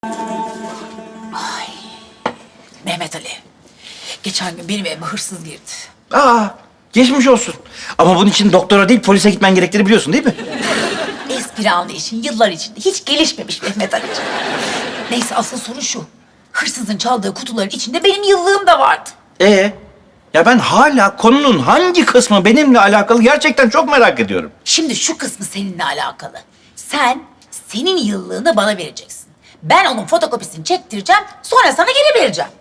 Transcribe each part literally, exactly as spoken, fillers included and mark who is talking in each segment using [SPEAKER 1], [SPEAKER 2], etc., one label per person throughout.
[SPEAKER 1] Mehmet Ali, geçen gün benim evime hırsız girdi.
[SPEAKER 2] Aa, geçmiş olsun. Ama bunun için doktora değil polise gitmen gerektiğini biliyorsun değil mi?
[SPEAKER 1] Espri anlayışın yıllar içinde hiç gelişmemiş Mehmet Ali'ciğim. Neyse asıl sorun şu. Hırsızın çaldığı kutuların içinde benim yıllığım da vardı.
[SPEAKER 2] Ee, ya ben hala konunun hangi kısmı benimle alakalı gerçekten çok merak ediyorum.
[SPEAKER 1] Şimdi şu kısmı seninle alakalı. Sen senin yıllığını bana vereceksin. Ben onun fotokopisini çektireceğim, sonra sana geri vereceğim.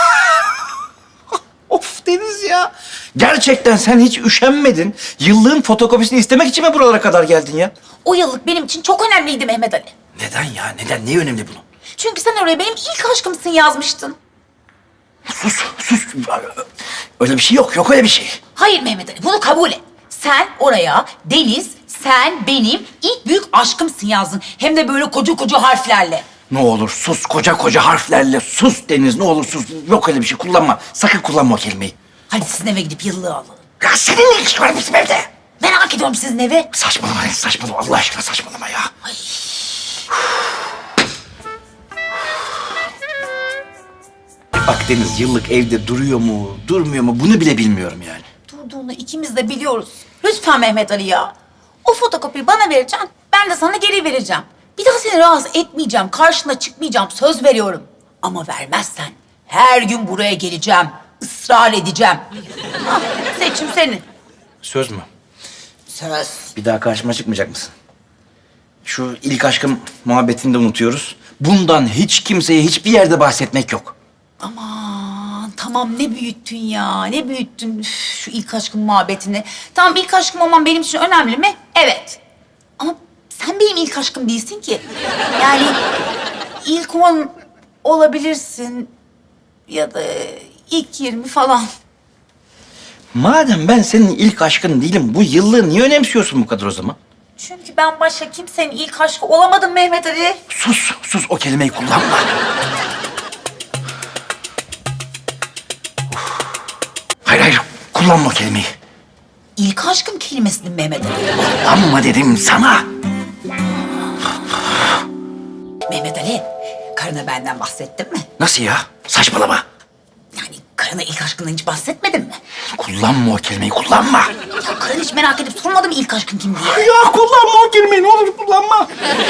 [SPEAKER 2] Of Deniz ya. Gerçekten sen hiç üşenmedin. Yıllığın fotokopisini istemek için mi buralara kadar geldin ya?
[SPEAKER 1] O yıllık benim için çok önemliydi Mehmet Ali.
[SPEAKER 2] Neden ya? Neden? Ne önemli bunun?
[SPEAKER 1] Çünkü sen oraya benim ilk aşkımsın yazmıştın.
[SPEAKER 2] Sus, sus. Öyle bir şey yok. Yok öyle bir şey.
[SPEAKER 1] Hayır Mehmet Ali, bunu kabul et. Sen oraya Deniz, sen benim ilk büyük aşkımsın yazdın. Hem de böyle koca koca harflerle.
[SPEAKER 2] Ne olur sus. Koca koca harflerle sus Deniz. Ne olur sus. Yok öyle bir şey. Kullanma. Sakın kullanma o kelimeyi.
[SPEAKER 1] Hadi sizin eve gidip yıllığı alalım.
[SPEAKER 2] Ya senin ne işin var bizim evde?
[SPEAKER 1] Merak ediyorum sizin evi.
[SPEAKER 2] Saçmalama Deniz. Saçmalama. Allah aşkına saçmalama ya. Bak Deniz, yıllık evde duruyor mu, durmuyor mu bunu bile bilmiyorum yani.
[SPEAKER 1] Durduğunu ikimiz de biliyoruz. Lütfen Mehmet Ali ya. O fotokopiyi bana vereceksin, ben de sana geri vereceğim. Bir daha seni rahatsız etmeyeceğim, karşına çıkmayacağım, söz veriyorum. Ama vermezsen her gün buraya geleceğim, ısrar edeceğim. Ha, seçim senin.
[SPEAKER 2] Söz mü?
[SPEAKER 1] Söz.
[SPEAKER 2] Bir daha karşıma çıkmayacak mısın? Şu ilk aşkım muhabbetini de unutuyoruz. Bundan hiç kimseye hiçbir yerde bahsetmek yok.
[SPEAKER 1] Aman tamam ne büyüttün ya, ne büyüttün Üf, şu ilk aşkın muhabbetini. Tamam ilk aşkım olman benim için önemli mi? Evet. Ama sen benim ilk aşkım değilsin ki. Yani ilk on olabilirsin ya da ilk yirmi falan.
[SPEAKER 2] Madem ben senin ilk aşkın değilim, bu yıllığı niye önemsiyorsun bu kadar o zaman?
[SPEAKER 1] Çünkü ben başka kimsenin ilk aşkı olamadım Mehmet Ali.
[SPEAKER 2] Sus, sus o kelimeyi kullanma. Hayır, hayır, kullanma o kelimeyi.
[SPEAKER 1] İlk aşkım kelimesini Mehmet Ali.
[SPEAKER 2] Kullanma dedim sana.
[SPEAKER 1] Mehmet Ali, karına benden bahsettin mi?
[SPEAKER 2] Nasıl ya? Saçmalama.
[SPEAKER 1] Yani karına ilk aşkından hiç bahsetmedin mi?
[SPEAKER 2] Kullanma o kelimeyi, kullanma.
[SPEAKER 1] Ya karın hiç merak edip sormadı mı ilk aşkın kim diye?
[SPEAKER 2] Ya kullanma o kelimeyi, ne olur kullanma.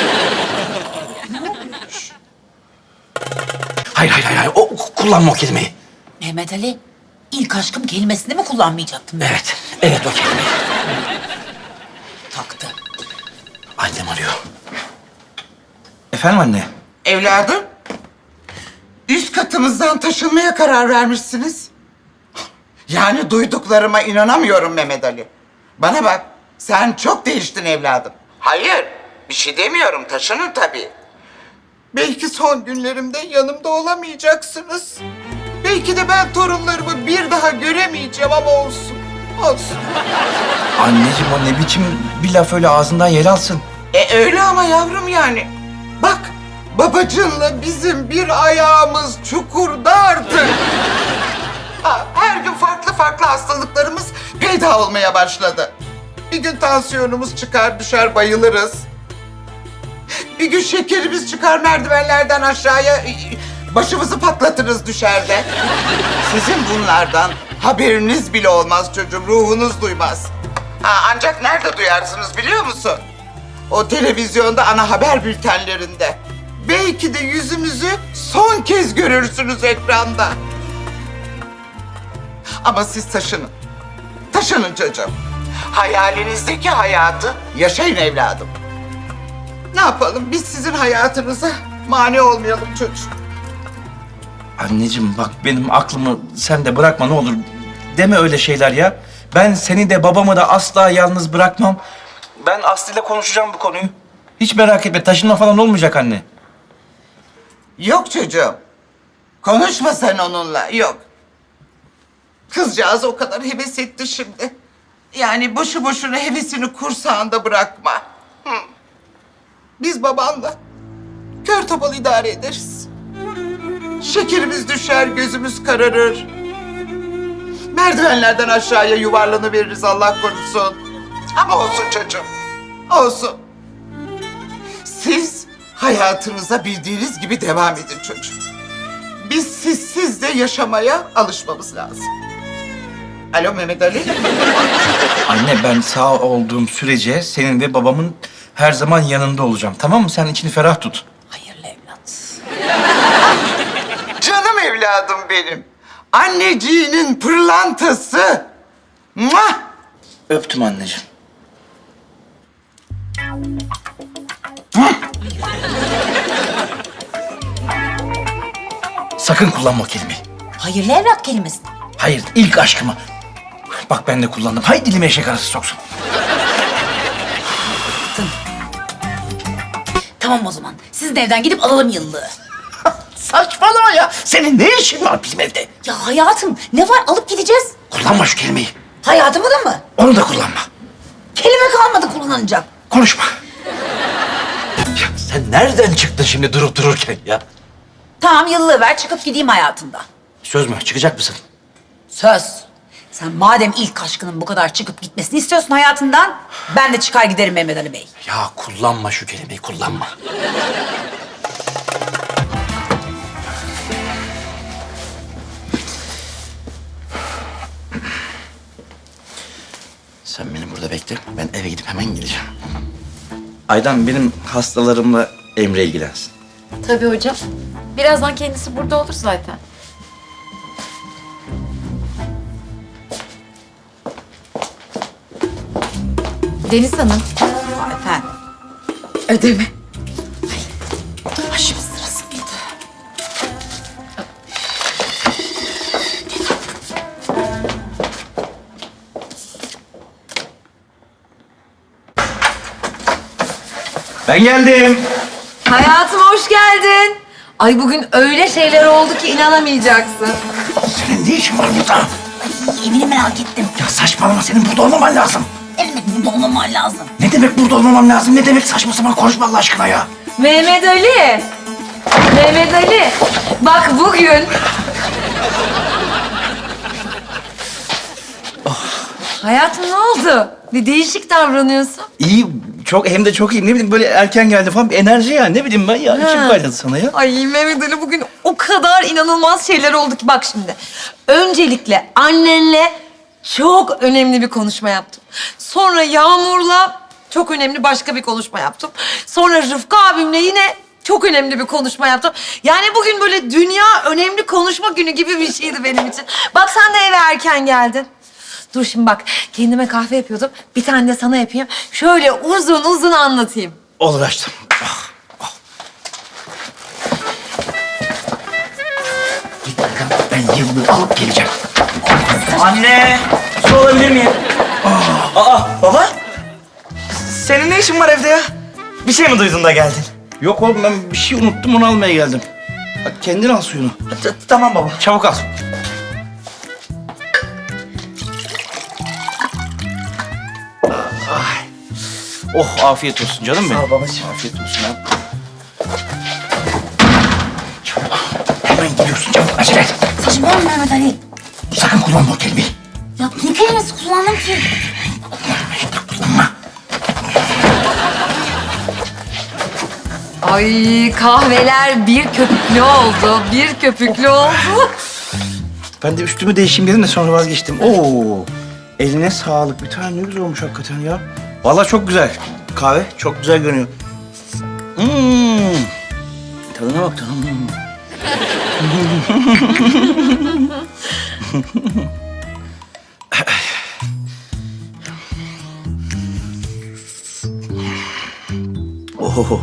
[SPEAKER 2] Hayır, hayır, hayır, hayır. O, kullanma o kelimeyi.
[SPEAKER 1] Mehmet Ali, ilk aşkım kelimesini mi kullanmayacaktım ben?
[SPEAKER 2] Evet, evet o kelimeyi.
[SPEAKER 1] Taktı.
[SPEAKER 2] Annem arıyor. Efendim anne?
[SPEAKER 3] Evladım, üst katımızdan taşınmaya karar vermişsiniz. Yani duyduklarıma inanamıyorum Mehmet Ali. Bana bak, sen çok değiştin evladım. Hayır, bir şey demiyorum, taşının tabii. Belki son günlerimde yanımda olamayacaksınız. Belki de ben torunlarımı bir daha göremeyeceğim ama olsun, olsun.
[SPEAKER 2] Anneciğim o ne biçim bir laf öyle ağzından yer alsın.
[SPEAKER 3] E öyle ama yavrum yani. Bak, babacığınla bizim bir ayağımız çukurda artık. Ha, her gün farklı farklı hastalıklarımız peyda olmaya başladı. Bir gün tansiyonumuz çıkar düşer bayılırız. Bir gün şekerimiz çıkar merdivenlerden aşağıya başımızı patlatırız düşerde. Sizin bunlardan haberiniz bile olmaz çocuğum, ruhunuz duymaz. Ha, ancak nerede duyarsınız biliyor musun? O televizyonda ana haber bültenlerinde. Belki de yüzümüzü son kez görürsünüz ekranda. Ama siz taşının. Taşının çocuğum. Hayalinizdeki hayatı yaşayın evladım. Ne yapalım? Biz sizin hayatınıza mani olmayalım çocuğum.
[SPEAKER 2] Anneciğim bak benim aklımı sen de bırakma ne olur. Deme öyle şeyler ya. Ben seni de babamı da asla yalnız bırakmam. Ben Aslı ile konuşacağım bu konuyu. Hiç merak etme taşınma falan olmayacak anne.
[SPEAKER 3] Yok çocuğum. Konuşma sen onunla. Yok. Kızcağız o kadar heves etti şimdi. Yani boşu boşuna hevesini kursağında bırakma. Hı. Biz babanla kör topal idare ederiz. Şekerimiz düşer, gözümüz kararır. Merdivenlerden aşağıya yuvarlanıveririz Allah korusun. Ama olsun çocuğum, olsun. Siz hayatınıza bildiğiniz gibi devam edin çocuğum. Biz sizsiz de yaşamaya alışmamız lazım. Alo Mehmet Ali.
[SPEAKER 2] Anne ben sağ olduğum sürece senin ve babamın her zaman yanında olacağım. Tamam mı? Sen içini ferah tut.
[SPEAKER 1] Hayırlı evlat.
[SPEAKER 3] Canım evladım benim. Anneciğinin pırlantası. Muah!
[SPEAKER 2] Öptüm anneciğim. Sakın kullanma o kelimeyi.
[SPEAKER 1] Hayırlı evlat kelimesi.
[SPEAKER 2] Hayır, ilk aşkımı. Bak ben de kullandım. Hay dilime eşek arası soksun.
[SPEAKER 1] Tamam o zaman. Siz de evden gidip alalım yıllığı.
[SPEAKER 2] Saçmalama ya. Senin ne işin var bizim evde?
[SPEAKER 1] Ya hayatım ne var alıp gideceğiz.
[SPEAKER 2] Kullanma şu kelimeyi.
[SPEAKER 1] Hayatımı da mı?
[SPEAKER 2] Onu da kullanma.
[SPEAKER 1] Kelime kalmadı kullanacak.
[SPEAKER 2] Konuşma. Ya sen nereden çıktın şimdi durup dururken ya?
[SPEAKER 1] Tamam yıllığı ver çıkıp gideyim hayatımda.
[SPEAKER 2] Söz mü? Çıkacak mısın?
[SPEAKER 1] Söz. Sen madem ilk aşkının bu kadar çıkıp gitmesini istiyorsun hayatından, ben de çıkar giderim Mehmet Ali Bey.
[SPEAKER 2] Ya kullanma şu kelimeyi, kullanma. Sen beni burada bekle. Ben eve gidip hemen geleceğim. Aydan benim hastalarımla Emre ilgilensin.
[SPEAKER 4] Tabii hocam. Birazdan kendisi burada olur zaten. Deniz Hanım.
[SPEAKER 1] Aa, efendim.
[SPEAKER 4] Ödeme.
[SPEAKER 1] Ay şimdi sırası mıydı?
[SPEAKER 2] Ben geldim.
[SPEAKER 4] Hayatım hoş geldin. Ay bugün öyle şeyler oldu ki inanamayacaksın.
[SPEAKER 2] Senin ne işin var burada?
[SPEAKER 1] Ay evini merak ettim.
[SPEAKER 2] Ya saçmalama, senin burada olmaman lazım.
[SPEAKER 1] Ne demek burada olmaman lazım?
[SPEAKER 2] Ne demek burada olmamam lazım? Ne demek saçma sapan konuşma Allah aşkına ya?
[SPEAKER 4] Mehmet Ali. Mehmet Ali. Bak bugün... Hayatım ne oldu? Bir değişik davranıyorsun.
[SPEAKER 2] İyi, çok hem de çok iyi. Ne bileyim böyle erken geldi falan bir enerji ya. Ne bileyim ben ya. İçim
[SPEAKER 4] Ha.
[SPEAKER 2] kaynadı sana ya.
[SPEAKER 4] Ay Mehmet Ali bugün o kadar inanılmaz şeyler oldu ki bak şimdi. Öncelikle annenle çok önemli bir konuşma yaptım. Sonra Yağmur'la çok önemli başka bir konuşma yaptım. Sonra Rıfkı abimle yine çok önemli bir konuşma yaptım. Yani bugün böyle dünya önemli konuşma günü gibi bir şeydi benim için. Bak sen de eve erken geldin. Dur şimdi bak kendime kahve yapıyordum. Bir tane de sana yapayım. Şöyle uzun uzun anlatayım.
[SPEAKER 2] Olur açtım. Ah, ah. Git bakalım, ben yıllığı alıp geleceğim.
[SPEAKER 5] Anne, su olabilir miyim? Aa, baba? Senin ne işin var evde ya? Bir şey mi duydun da geldin?
[SPEAKER 2] Yok oğlum ben bir şey unuttum onu almaya geldim. Hadi kendin al suyunu.
[SPEAKER 5] T- tamam baba.
[SPEAKER 2] Çabuk al. Ay. Oh afiyet olsun canım benim.
[SPEAKER 5] Sağ ol babacığım.
[SPEAKER 2] Afiyet olsun ya. Çabuk. Hemen gidiyorsun çabuk acele et.
[SPEAKER 1] Saçmalama Mehmet Ali.
[SPEAKER 2] Sakın kullanma o kelimeyi.
[SPEAKER 1] Ya ne kelimesi kullandım ki?
[SPEAKER 2] Kullanma.
[SPEAKER 4] Ay kahveler bir köpüklü oldu, bir köpüklü oldu.
[SPEAKER 2] Ben de üstümü değişeyim dedim de sonra vazgeçtim. Oo. Eline sağlık. Bir tane ne güzel olmuş hakikaten ya. Vallahi çok güzel. Kahve çok güzel görünüyor. Hmm. Tadına bak tadına. Hmm. Oh.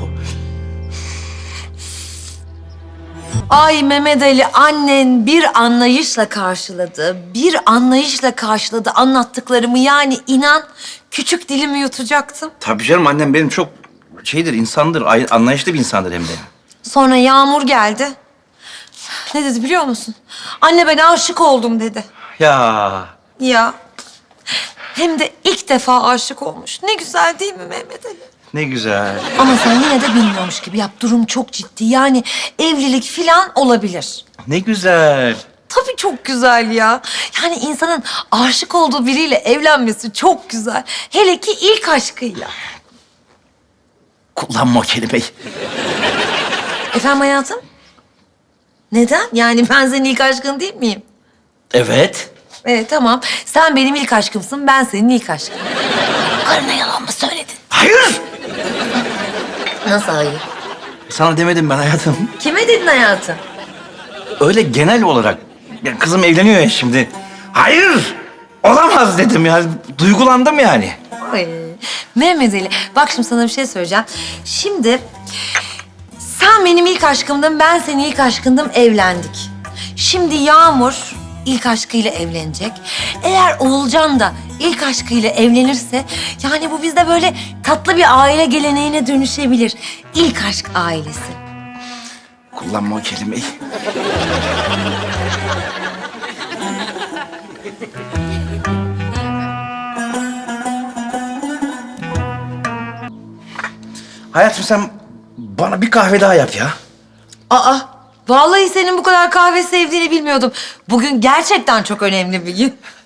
[SPEAKER 4] Ay Mehmet Ali annen bir anlayışla karşıladı, bir anlayışla karşıladı anlattıklarımı. Yani inan küçük dilimi yutacaktım.
[SPEAKER 2] Tabii canım annem benim çok şeydir, insandır, ay- anlayışlı bir insandır hem de.
[SPEAKER 4] Sonra Yağmur geldi. Ne dedi biliyor musun? Anne ben aşık oldum dedi.
[SPEAKER 2] Ya
[SPEAKER 4] Ya hem de ilk defa aşık olmuş. Ne güzel değil mi Mehmet Ali?
[SPEAKER 2] ne güzel.
[SPEAKER 4] Ama sen yine de bilmiyormuş gibi yap. Durum çok ciddi. Yani evlilik filan olabilir.
[SPEAKER 2] Ne güzel.
[SPEAKER 4] Tabii çok güzel ya. Yani insanın aşık olduğu biriyle evlenmesi çok güzel. Hele ki ilk aşkıyla.
[SPEAKER 2] Kullanma o kelimeyi.
[SPEAKER 4] Efendim hayatım? Neden? Yani ben senin ilk aşkın değil miyim?
[SPEAKER 2] Evet.
[SPEAKER 4] Evet tamam. Sen benim ilk aşkımsın, ben senin ilk aşkın.
[SPEAKER 1] Karına yalan mı söyledin?
[SPEAKER 2] Hayır.
[SPEAKER 4] Nasıl hayır?
[SPEAKER 2] Sana demedim ben hayatım.
[SPEAKER 4] Kime dedin hayatım?
[SPEAKER 2] Öyle genel olarak. Ya kızım evleniyor ya şimdi. Hayır. Olamaz dedim ya. Duygulandım yani.
[SPEAKER 4] Ay, Mehmet Ali, bak şimdi sana bir şey söyleyeceğim. Şimdi sen benim ilk aşkımdın, ben senin ilk aşkındım, evlendik. Şimdi Yağmur ilk aşkıyla evlenecek. Eğer Oğulcan da ilk aşkıyla evlenirse, yani bu bizde böyle tatlı bir aile geleneğine dönüşebilir. İlk aşk ailesi.
[SPEAKER 2] Kullanma o kelimeyi. Hayatım sen bana bir kahve daha yap ya.
[SPEAKER 4] Aa, vallahi senin bu kadar kahve sevdiğini bilmiyordum. Bugün gerçekten çok önemli bir gün.